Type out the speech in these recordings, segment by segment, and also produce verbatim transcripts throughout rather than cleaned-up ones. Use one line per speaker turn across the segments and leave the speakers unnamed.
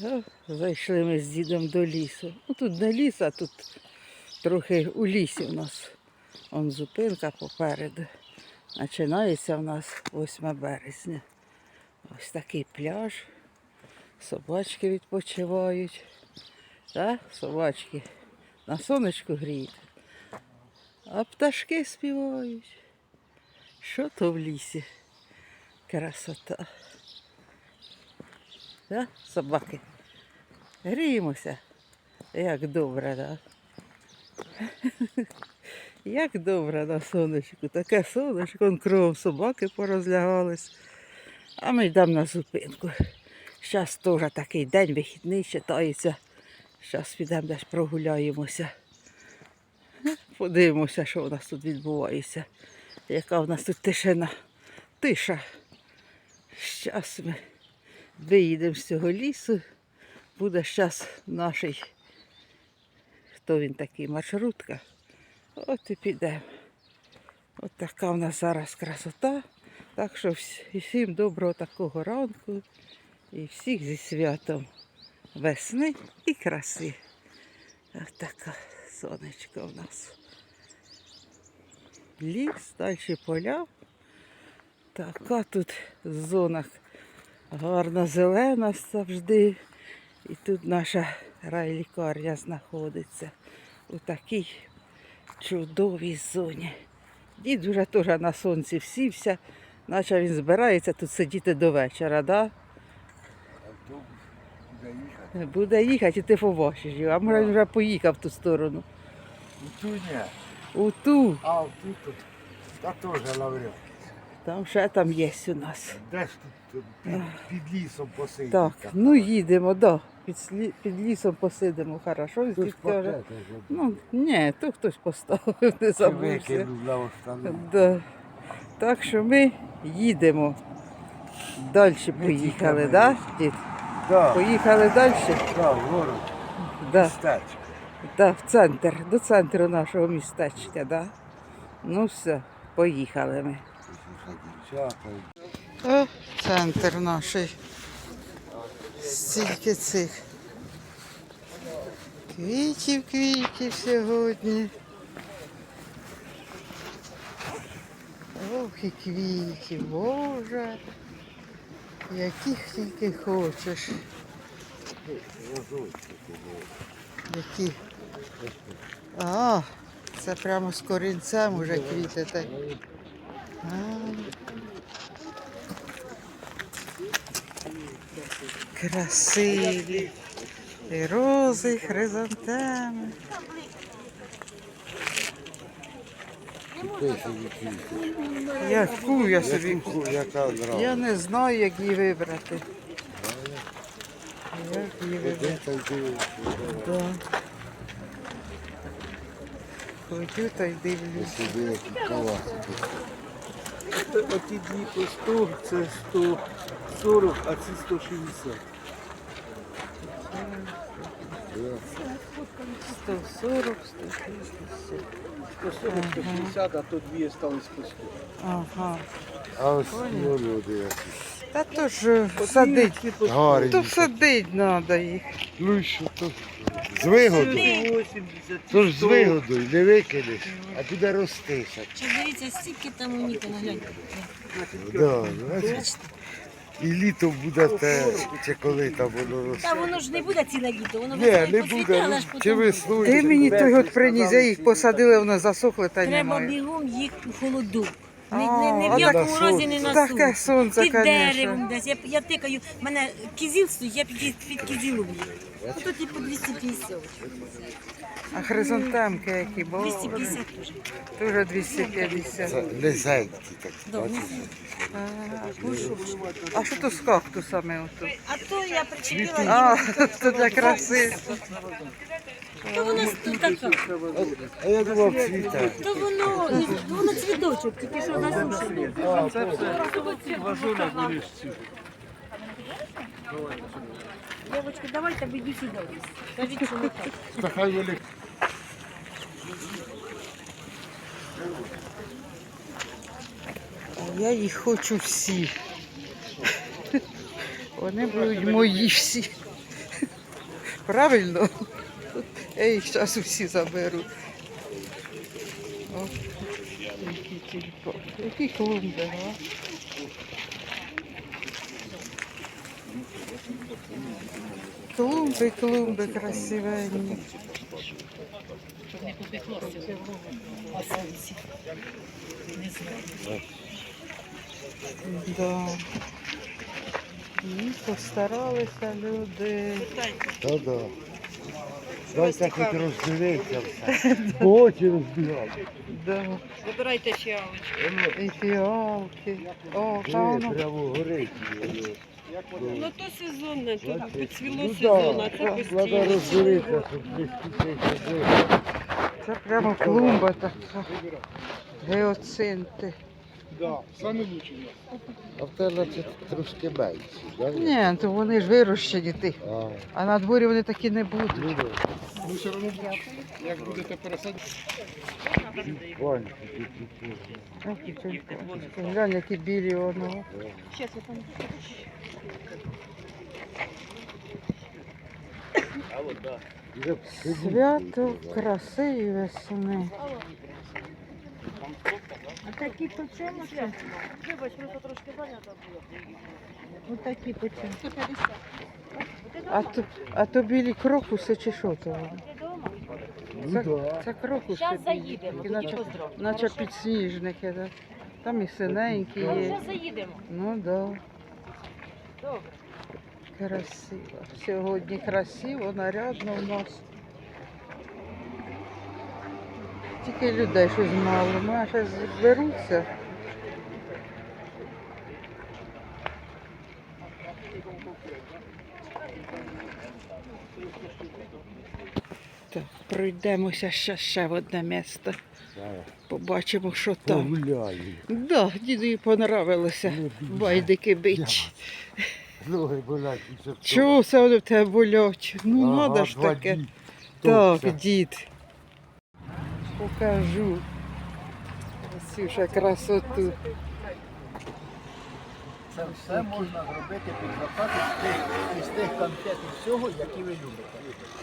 О, зайшли ми з дідом до лісу. Ну, тут не ліс, а тут трохи у лісі у нас. Вон зупинка попереду. Починається у нас восьме березня. Ось такий пляж. Собачки відпочивають. Так, собачки на сонечку гріють. А пташки співають. Що то в лісі? Красота. Да? Собаки. Гріємося. Як добре, так? Да? Як добре на сонечку. Таке сонечко, вон кругом собаки порозлягались. А ми йдемо на зупинку. Зараз теж такий день вихідний читається. Зараз підемо десь прогуляємося. Подивимося, що у нас тут відбувається. Яка у нас тут тишина. Тиша. Зараз ми виїдемо з цього лісу. Буде зараз наш, хто він такий, маршрутка. От і підемо. От така в нас зараз красота. Так що всім доброго такого ранку. І всіх зі святом весни і краси. Ось така сонечко у нас. Ліс, далі поля. Така тут зона гарна зелена завжди. І тут наша райлікарня знаходиться у такій чудовій зоні. Дід вже теж на сонці всівся, наче він збирається тут сидіти до вечора, да?
Автобус буде їхати.
Буде їхати і ти побачиш його, а може він вже поїхав в ту сторону.
У ту ні.
У ту.
А в ту тут. Та теж лаврів.
Там ще там є у нас.
Де ж тут під, під лісом посидіти?
Так, ну їдемо, да. Під, слі- під лісом посидимо, хорошо.
Хтось
Дід каже,
пакети вже.
ну, ні, то хтось поставив, не
Чи
забувся.
викинув на остану.
Да. Так що ми їдемо. Далі поїхали, так, да, дід?
Так,
Поїхали далі?
так, город,
Да,
містечко.
да, в центр, до центру нашого містечка, да. Ну все, поїхали ми.
Дівчата.
О, центр наш. Стільки цих квітів, квітів сьогодні. Ох, і квітів, Боже, яких тільки хочеш. Які? А, це прямо з корінцем уже квіти. Так. А. Красиві. І рози, і хризантеми. Яку я собі?
Яка одразу.
Я не знаю, як її вибрати. Як її вибрати? Да. Ходю та й дивлюсь.
Сюди які каласи.
Оті дві по сто, це сто сорок, а ці сто шістдесят.
сто сорок, сто шістдесят.
сто сорок, сто шістдесят, а то дві стались по сто.
Ага.
А ось ну, люди які.
Та то ж садить.
Гарні.
То садить треба їх.
Ну і що то? З вигодою.
вісімдесят,
То ж з вигодою, не викинеш, а буде рости.
Чи дивіться, стільки там у Ніка, нагляньте.
Да, значить, і літом буде те, чи коли там воно росте.
Та воно ж не буде ціле літо, воно
Ні,
весною
не
поцвіте,
буде,
але
ну,
ж
чи
потім
весною.
Ти мені той от приніс, я їх посадила, воно засохло та
треба
немає.
бігом їх у холоду. Не,
А,
не, не
а
в якому
так
разі не на
Таке
сонці.
сонце,
Під
звісно.
деревом десь. Я, я тикаю, в мене кізіл стоїть, я під, під кізілом їх. Ото ті по двісті п'ятдесят.
А хризантемки які, бо
двісті п'ятдесят теж.
дуже двісті п'ятдесят.
Це низенькі такі,
Да,
бачиш?
А що то з кактусами ото?
А то я причепила,
А, то для краси.
то воно тут така.
А я думав, цвіте.
То воно, воно цвіточок, тільки що засушений.
Важунок виріж ці.
Дівчатки, давайте ви йдіть сюди. Кажіть, що не так.
Та хай вони
Я їх хочу всі. Вони будуть мої всі. Правильно? Я їх зараз усі заберу. О, які тільки. Які клумби, а? Клумби, клумби красивенні. Да. І постаралися люди.
Та-да. Дайте хоч роздивитися все. Очі розбігати.
Да.
Вибирайте фіалочки.
І фіалки. О,
Диви,
там.
прямо горить.
Ну то сезонне, тут поцвіло
Ну
сезон, а
так,
це
треба
постійно.
роздивитися, щоб не скучити.
Це прямо клумба така. Геоцинти.
А в тебе це трошки менше, так?
Ні, то вони ж вирощені ти.
А,
А на дворі вони такі не будуть.
ну да.
Ну все одно, як будете пересадити.
Баньки тут тут.
Глянь, які білі воно.
Вже сидіть.
Свято краси і весни.
А такі по чому це? Вибач, просто трошки зайнята була. Отакі по чому? сто п'ятдесят.
А то, а то білі крокуси чи що то? вони?
Ну
Це,
да.
це крокуси
Зараз
білі.
заїдемо,
Такі
тоді
наче,
поздравимо.
наче підсніжники. Да. Там і синенькі
Ми
є.
вже заїдемо.
Ну да.
Добре.
Красиво. Сьогодні красиво, нарядно у нас. Тільки людей щось мало. Ми зараз зберуться. Так, пройдемося ще, ще в одне місце.
Зараз
Побачимо, що там.
погуляю.
Да, дідові понравилося. Байдики бить.
Ноги болять. і все.
Чого це вони в тебе болять? Ну,
Ага,
надо ж
два
таке.
дні.
Так,
Топця.
дід. Покажу. Ось вже красоту.
Це все можна зробити під заказ із тих, із тих конфет і всього, які ви любите.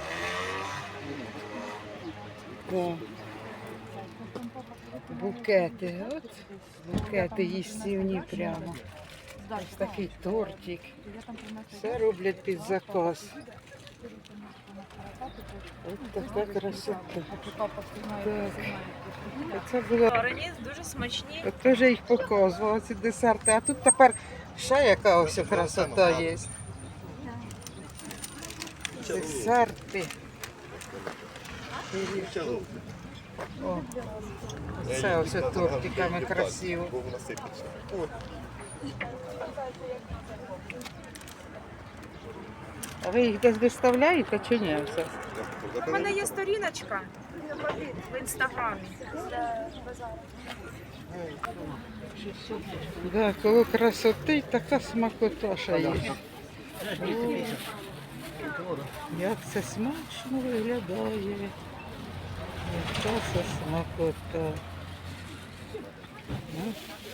Да. Букети. От букети їстівні прямо. Ось такий тортик. Все роблять під заказ. Ось така красота. Так. Це було.
Варені дуже смачні.
От теж їх показувала, ці десерти. А тут тепер ще яка ось красота є. Десерти. О, це ось тортиками красиво. А ви їх десь виставляєте чи ні? Все?
У мене є сторіночка в інстаграмі.
Да, коло красоти така смакота ще є. О, як це смачно виглядає. Яка це смакота. Ну.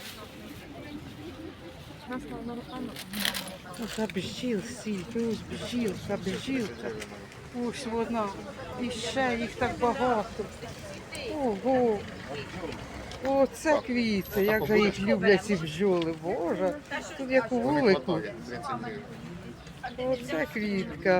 Ось бджіл, сіль, ось бджілка, бджілка. Ось вона. І ще їх так багато. Ого. О, це квіти, як же їх люблять ці бджоли. Боже, тут як у вулику. Оце квітка.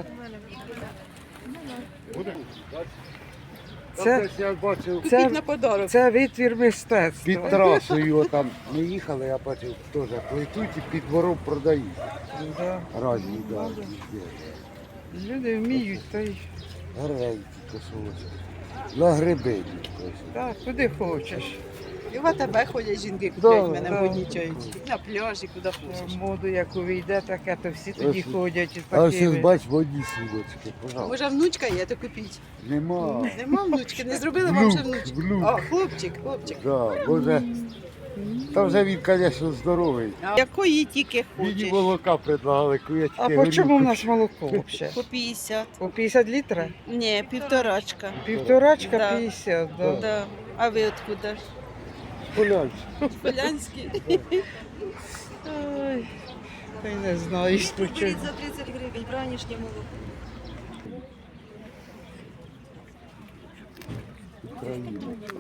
Це,
Я бачив
це,
На подарок.
це витвір мистецтва.
під трасою, там ми їхали, я бачив, теж плетуть і під двором продають.
Да.
Разні, да.
Люди вміють, та й
Гарненькі косолочки. На гриби йдуть.
так, куди хочеш.
І в АТБ ходять жінки,
Да,
купляють мене,
да.
воднічають. На пляжі, куди хочеш.
Моду, як увійде, таке, то всі тоді
Ось.
ходять із
А ось
такими.
бач, водні сілочки, пожалуйста.
Може внучка є, то купіть.
Нема.
Нема внучки, не зробили вам ще
Внук,
внучку.
внук.
А, хлопчик, хлопчик.
Да, може, та вже він, звісно, здоровий.
Якої тільки
Мені
хочеш.
молока предлагали, куячки.
А по чому в нас молоко взагалі?
По п'ятдесят.
По п'ятдесят літрів?
Ні, півторачка.
Півторачка
Да.
п'ятдесят, да.
Да. А ви откуда?
Полянські.
Полянські.
Ой, та й не знаю, що.
Беріть за тридцять гривень, бранішнє молоко.
України.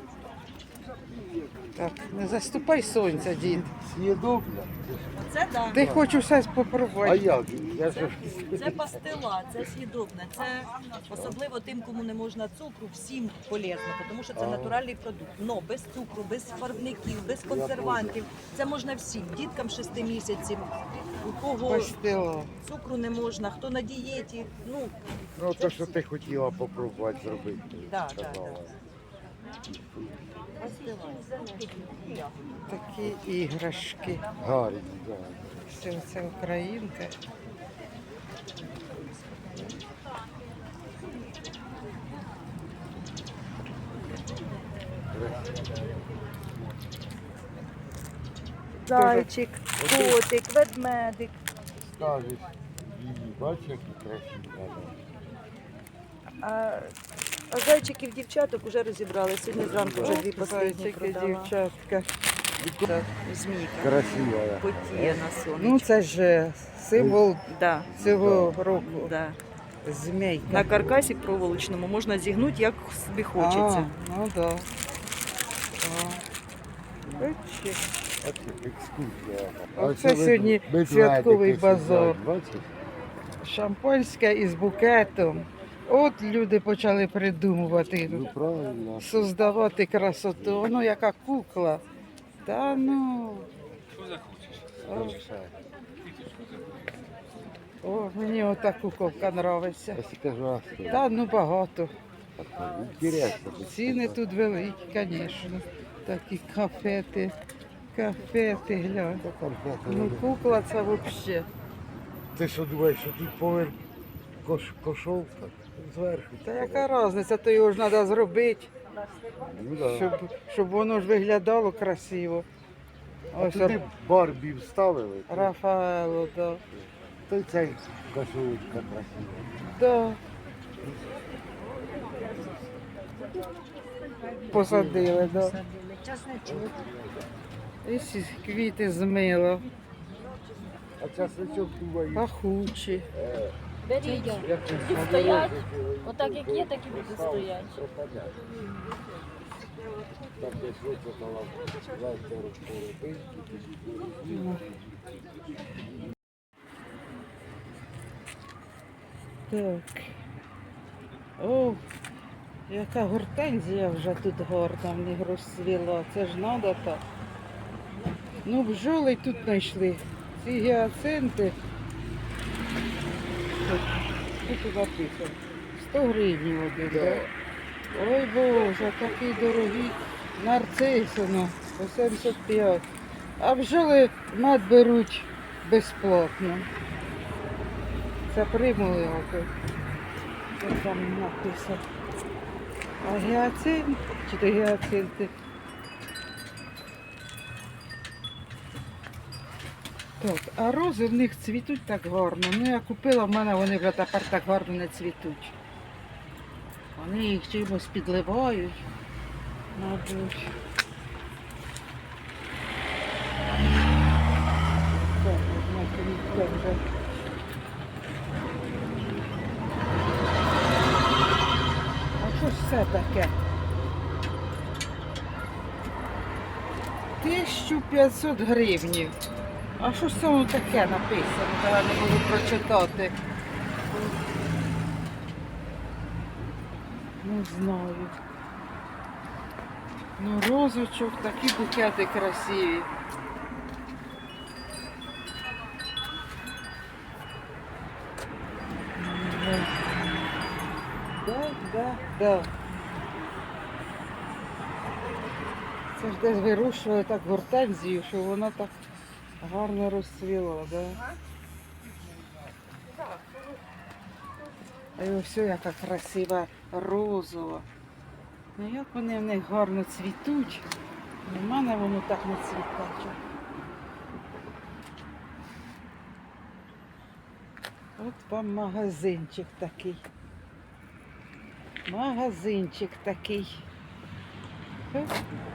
Так, не заступай сонця, дід.
Съєдобна.
Це да.
Ти хочу все
А
спробувати.
як? Я ж
Це пастила, це съєдобне. Це особливо тим, кому не можна цукру, всім полезно, тому що це
Ага.
натуральний продукт. Но без цукру, без фарбників, без консервантів. Це можна всім, діткам шести місяців, у кого
Пастила.
цукру не можна, хто на дієті. Ну,
ну то, що ти хотіла попробувати зробити.
Да, да,
сказала.
пастила.
Такі іграшки.
Гарні, так.
Все це українка.
Зайчик, котик, ведмедик.
Скажеш, її, бачиш, які красиві.
А, а зайчиків дівчаток вже розібрали. Сьогодні зранку вже дві останні
Зайчики,
продала.
дівчатка.
Змійка.
Красива. я.
Потіє на сонечку.
Ну це ж символ
Да,
цього року.
да.
Змійка.
На каркасі проволочному можна зігнути, як собі хочеться.
А, ну да. А. Бачиш?
А це екскурсія.
Оце
Оце
сьогодні
ведмедики
святковий
сидять,
базар.
Бачиш?
Шампанське із букетом. От люди почали придумувати,
Ну правильно.
создавати красоту. Воно яка кукла. Та ну. О, о, мені ота куколка подобається.
Я си кажу, а що?
Та ну багато.
Інтересно.
Ціни тут великі, звісно. Такі кафети. Кафети, глянь. Ну кукла це взагалі.
Ти що думаєш, що тут поверх кош, кошовка? Зверху.
Та яка різниця, то його ж треба зробити,
Ну, да.
щоб, щоб воно ж виглядало красиво.
А
Ось
туди Барбі вставили, то,
Рафаело, да.
то й цей кошовочка красива.
Да. Посадили, да. І ці квіти змило,
А часничок думаю,
пахучі.
Беріть,
як це
будуть стоять, отак як є, так і буде стояти.
пропадає. Так десь вичитала завтра розпорядки.
Так. О, яка гортензія вже тут гарна в них розцвіла. Це ж треба так. Ну, бджоли тут знайшли. Ці гіацинти. Тут, тут написано. сто гривень один,
Да.
да. Ой Боже, такі дорогі нарциси, ну, по сімдесят п'ять. А бджоли мед беруть безплатно. Це примули око. Що там написано. А гіацинт, чи то гіацинти? Так, а рози в них цвітуть так гарно. Ну я купила, в мене вони вже тепер так гарно не цвітуть. Вони їх чимось підливають, мабуть. Так, одна квітка вже. А що ж це таке? тисяча п'ятсот гривнів. А що ж це воно таке написано? Я не можу прочитати. Не знаю. Ну, розочок, такі букети красиві. Да, да, да. Це ж десь вирощували так гортензію, що вона так гарно розцвіла, да? А й ось яка красива розова. Ну як вони в них гарно цвітуть. У мене воно так не цвітаче. От вам магазинчик такий. Магазинчик такий. Оп.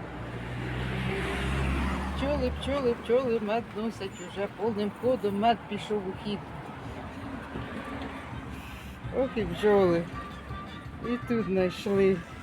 Пчоли, пчоли, пчоли, мед носять уже повним ходом, мед пішов у хід. Ох і бджоли. І тут знайшли